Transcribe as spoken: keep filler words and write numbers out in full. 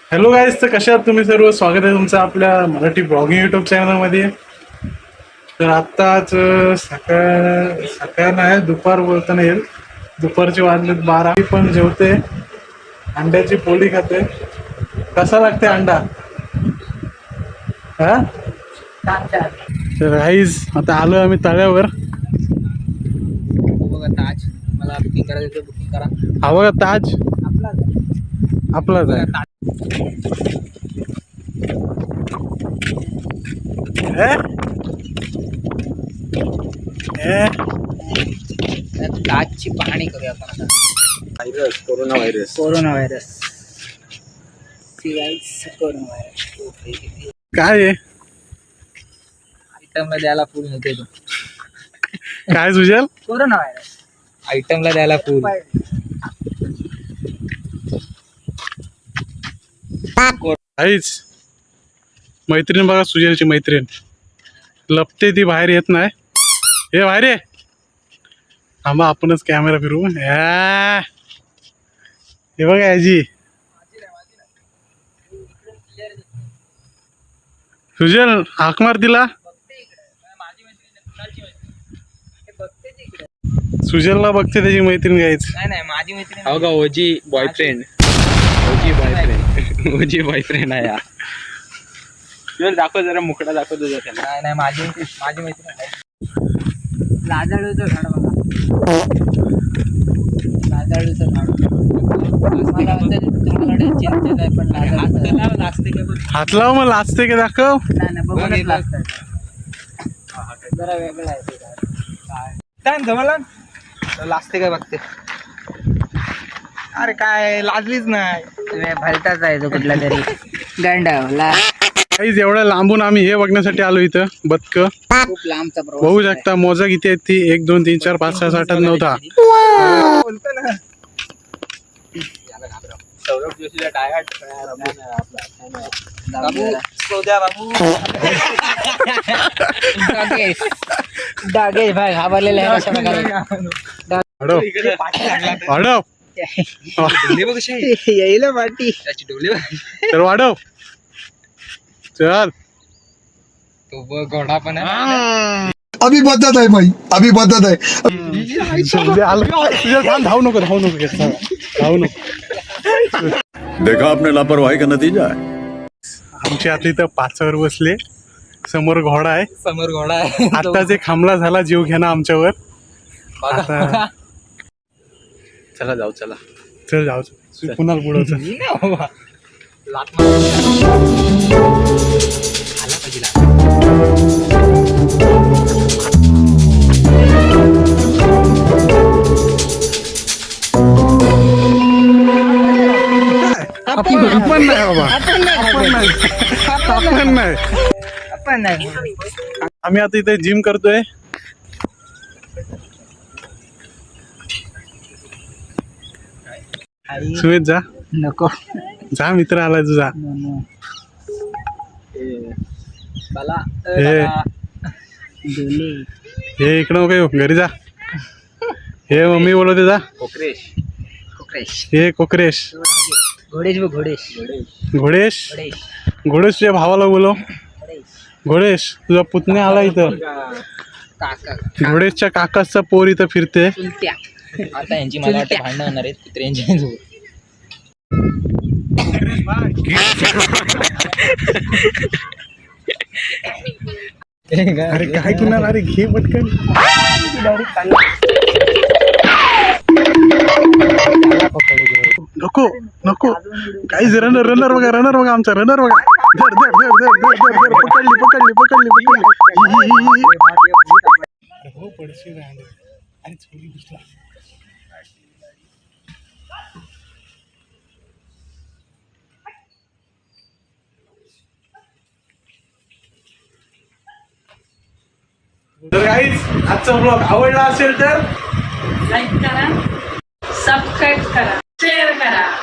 Hello guys, तर कशा आहात तुम्ही सर्व? स्वागत आहे तुमचं आपल्या मराठी ब्लॉगिंग युट्यूब चॅनलमध्ये. तर आत्ताच सकाळ सकाळ नाही, दुपार बोलताना येईल. दुपारचे वाजलेत बारा. मी पण जेवते, अंड्याची पोळी खाते. कसा लागते अंडा? हा तर गाईज, आता आलो आम्ही तळ्यावर. बघा ताज, मला बुकिंग करायचं, बुकिंग करा. हा बघा ताज आपलाच आहे. ताजची पाहणी करूया आपण आता. Virus, corona virus. Corona virus corona virus काय आहे? आयटमला द्यायला फुल नव्हते तो. काय सुजल? कोरोना व्हायरस आयटमला द्यायला फुल. आईच मैत्रीण बघा, सुजलची मैत्रीण लपते, ती बाहेर येत नाही. हे बाहेर ये. थांबा, आपणच कॅमेरा फिरवू. या हे बघा याची सुजल, हाक मार तिला. सुजलला बघते त्याची मैत्रीण घ्यायच. नाही नाही, माझी मैत्रीण. हो का, OG boyfriend. OG boyfriend OG boyfriend आहे. तुला दाखव जरा, मुकडा दाखव तुझा त्याला. नाही नाही, माझी माझी मैत्रीण आहे. लाजाळूचं झाड बघा, लाजाळूचं झाड. मला वाटतं तुमच्याकडे चिंतेत आहे, पण लाजाळूचं लागते का? हात लाव, मग लाजते का दाखव. नाही नाही, बघूनच लागतं. जरा वेगळं आहे ते झाड. काय जमला लाजते काय बघते. अरे काय लाजलीच नाही, तुम्ही भलताच आहे तो कुठला तरी गांडावला. काहीच एवढ्या लांबून आम्ही हे बघण्यासाठी आलो इथं. बदक खूप लांबचा प्रवास. बघू शकता, मोजा किती आहेत ती. एक दोन तीन चार पाच सहा सात आठ नऊ दहा. बोलतो ना सौरभ जोशीला टायर बाबू, सोद्या बाबू. डागेश डागेश भाई घाबरलेला आहे अशा प्रकारे. वाढव वाढव येईल पाठी त्याची डोले तर वाढव. चल, तो बघ घोडा पण आहे. अभी बदत है भाई, अभी बदत है. सुजल आलं. सुजल थांब, धावू नको धावू नको येत धावू नको. देखा आपने लापरवाही का नतीजा है. आमची आता इथं पाचावर बसले, समोर घोडा आहे. समोर घोडा आहे. आताच एक हमला झाला जीव घेणं आमच्यावर. आता चला जाऊ, चला चल जाऊ, पुन्हा बुडवचं. आपण नाही बाबा, आपण नाही आपण नाही आपण नाही. आम्ही आता इथे जिम करतोय. सुमित जा, नको जा, मित्र आलाय तुझा. बाला हे डोले हे इकडं नको येऊ, घरी जा. हे मम्मी बोलवते, जा. कोकरेश कोकरेश हे कोकरेश. घोडेश बघ, घोडेश घोडेश घोडेश घोडेश तुझ्या भावाला बोलव. घोडेश घोडेश, तुझा पुतण्या आला इथं. काका घोडेशच्या काकाचा पोर इथं फिरते. चुलत्या. आता यांची मला वाटतं भांडणं होणार आहेत कुत्र्यांची. अरे काय किनार, अरे घे पटकन. नको नको, काही रनर रनर बघा, रनर बघा, आमचा रनर बघा. धर धर धर धर धर धर धर, पकडली पकडली पकडली पकडली. हो पडशी राहिले. अरे चोरी घुसला. तर गाईज, आजचा ब्लॉग आवडला असेल तर लाईक करा, सबस्क्राईब करा, शेअर करा.